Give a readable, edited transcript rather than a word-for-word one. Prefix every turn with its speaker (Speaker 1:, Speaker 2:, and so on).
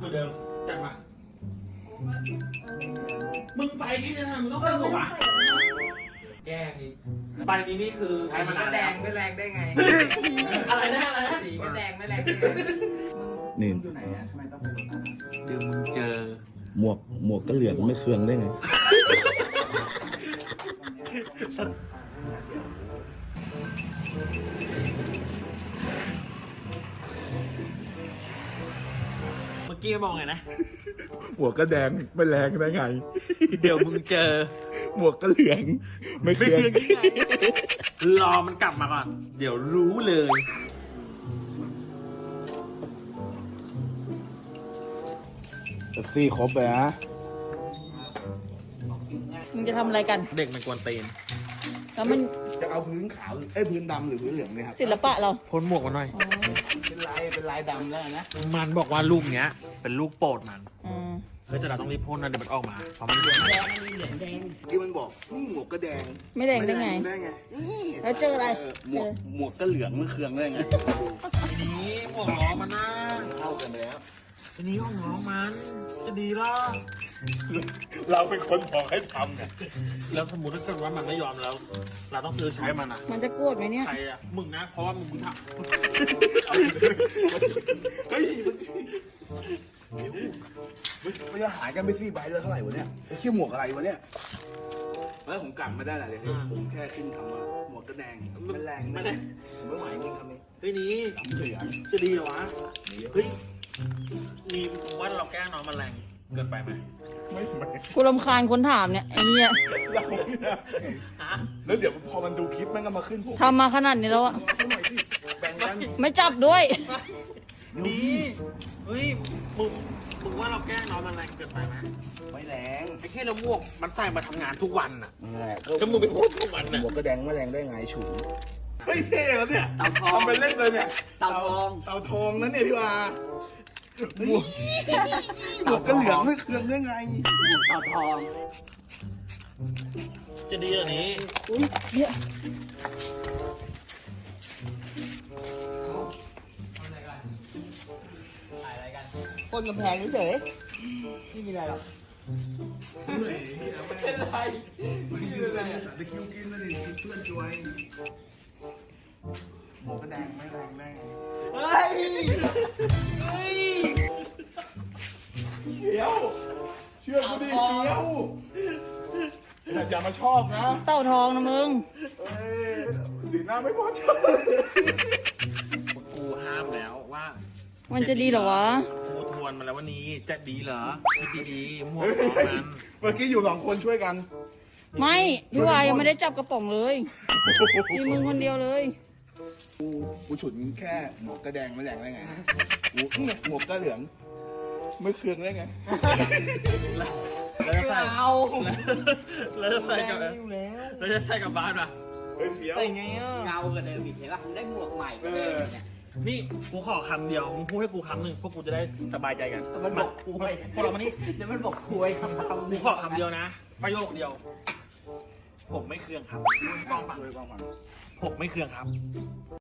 Speaker 1: มือนเดิมจัดมามึงไปที่นั่นมึงต้องเข้าหัวแก้อีกไปนี้นี่คือใช้มานาน
Speaker 2: แด
Speaker 1: แล้ว
Speaker 2: งไม่แรงได้ไง
Speaker 1: อะไรนะอะไรนะ
Speaker 2: สีก็แดงไม่แรงได้ไง
Speaker 3: นี่
Speaker 4: อยู่ไหนอะทำไมต้องไปรถนั้น
Speaker 1: เดี๋ยวมึงเจอ
Speaker 3: หมวกก็เหลืองไม่เคืองได้ไง
Speaker 1: เมื่อกี้มองไงนะ
Speaker 3: หมวกก็แดงไม่แรงได้ไง
Speaker 1: เดี๋ยวมึงเจอ
Speaker 3: หมวกก็เหลืองไม่เคือง
Speaker 1: รอมันกลับมาก่อน เดี๋ยวรู้เลย
Speaker 3: แท็กซี่ครบเลยนะ
Speaker 5: มึงจะทำอะไรกัน
Speaker 1: เด็กมันกวนตีน
Speaker 5: แล้วมัน
Speaker 3: จะเอาพื้นขาวพื้นดำหรือพื้นเหลืองเนี่ยครับ
Speaker 5: ศิลปะเรา
Speaker 1: พ้นหมวกมาหน่อย
Speaker 3: เป็นลายดำแล้วนะ
Speaker 1: มันบอกว่าลูกเนี้ย เป็นลูกโปรดมัน
Speaker 5: อืม
Speaker 1: เฮ้ยแต่เราต้องรีบพ่นนะเดี๋ยวมันออกมาเพราะมันเยอะ
Speaker 3: ที่มันบอกนี่หมวกก็แดง
Speaker 5: ไม่แดงได้ไง
Speaker 3: ได้ไงนี่
Speaker 5: แล้วเจออะไร
Speaker 3: หมวกก็เหลืองไม่เคืองได้ไง
Speaker 1: ทีนี้หมวกล้อมันนะ
Speaker 3: เข้ากันแล้ว
Speaker 1: ทีนี้ห้องน้องมันจะดีหรอ
Speaker 3: เราเป็นคนบอกให้ทำเนี่ย
Speaker 1: แล้วสมมติถ้าเกิดว่ามันไม่ยอมแล้ว เราต้องซื้อใช้มันอ่ะ
Speaker 5: มันจะโกรธไหมเนี่ย
Speaker 1: ใครอ่ะมึงนะเพราะว่ามึงทำ
Speaker 3: เฮ้ยมันจะหายกันไป4 ใบแล้วเท่าไหร่วะเนี่ยไอ้ชื่อหมวกอะไรวะเนี่ยแล้วผมกลับมาได้แหละเดี๋ยวผมแค่ขึ้นคำว่าหมวกก็แดงมันแรงไม่ได้ผมไม่ไหวจริงคำนี้
Speaker 1: เฮ้ยนี้
Speaker 3: เหลือง
Speaker 1: จะดีเหรอวะเฮ้ยมีว่าเราแกล้งน้องมันแรงเกินไปไหม
Speaker 3: ไม่
Speaker 5: กูรำคาญคนถามเนี่ยไอ้เนี่ย
Speaker 3: เราเนี่ย
Speaker 1: ฮะ
Speaker 3: แล้วเดี๋ยวพอมันดูคลิปมันก็มาขึ้นผม
Speaker 5: ทำมาขนาดนี้แล้วอะ
Speaker 3: สักหน่อยสิแบ่งกัน
Speaker 5: ไม่จับด้วย
Speaker 1: นี่เฮ้ยมึงว่าเราแกล้งน้องมันแรงเกินไปไหม
Speaker 3: ไม่แรง
Speaker 1: ไอ้แค่เราหมวกมันใส่มาทำงานทุกวันน่ะ
Speaker 3: นั่นแหละ
Speaker 1: ก็มึงไปพูดทุกวันน่ะ
Speaker 3: หมวกก็แดงไม่แรงได้ไงฉุนเฮ้ยเท่แล้วเนี่ย
Speaker 2: เต่าทอง
Speaker 3: ทำไปเล่นเลยเนี่ย
Speaker 2: เต่าทอง
Speaker 3: เต่าทองนั่นเนี่ยพี่วาหมวกก็เหลืองไม่เคืองได้ไง
Speaker 2: เต่าทอง
Speaker 1: จะดีอย่างนี้
Speaker 5: อุ้ยเยอะ
Speaker 2: คนกำแพงเฉยไม่มีอะไรหรอก
Speaker 3: เหนื่อยเป็นไรเป็นไรตะคิวกินแล้วดิเพื่อนช่วยหมวกก็แดงไม่แรงได้ไง
Speaker 2: เฮ้ย
Speaker 3: เดี๋ยวเชื่อกูดิเดี๋ยวอย่ามาชอบนะ
Speaker 5: เต่าทองนะมึง
Speaker 3: เอ้ยดีหน้าไม่พอใจ
Speaker 1: กูห้ามแล้วว่า
Speaker 5: มันจะดีเหรอวะ
Speaker 1: กูทวนมาแล้ววันนี้จะดีเหรอคิดดีๆหมวกล้อมัน
Speaker 3: เมื่อกี้อยู่2 คนช่วยกัน
Speaker 5: ไม่พี่วายยังไม่ได้จับกระป๋องเลยมีมึงคนเดียวเลย
Speaker 3: กูฉุนแค่หมวกกระแดงไม่แรงได้ไงกูเนี่ยหมวกกระเหลืองไม่เคืองได้ไง
Speaker 1: แล้วจะใส่
Speaker 2: เอา
Speaker 1: แล้วจะใส่กับแล้วจะใส่กับบ้านป่ะ
Speaker 3: เฮ้ยเฟี้ยว
Speaker 1: ใส่ไงอ่ะ
Speaker 2: เงากับเดิมอีกเห็นป่ะได้หมวกใหม่ไปเลยเนี่ย
Speaker 1: นี่กูขอคำเดียวมึงพูดให้กูคำหนึ่งพวกกูจะได้สบายใจกัน
Speaker 2: มันบอกคุย
Speaker 1: พวกเรามานี่
Speaker 2: เดี๋ยวมันบอกคุยคำ
Speaker 1: กูขอคำเดียวนะ ประโยคเดียว ผมไม่เคืองครับกล้องฟัง
Speaker 3: ด้วยกล้องฟัง
Speaker 1: ผมไม่เคืองครับ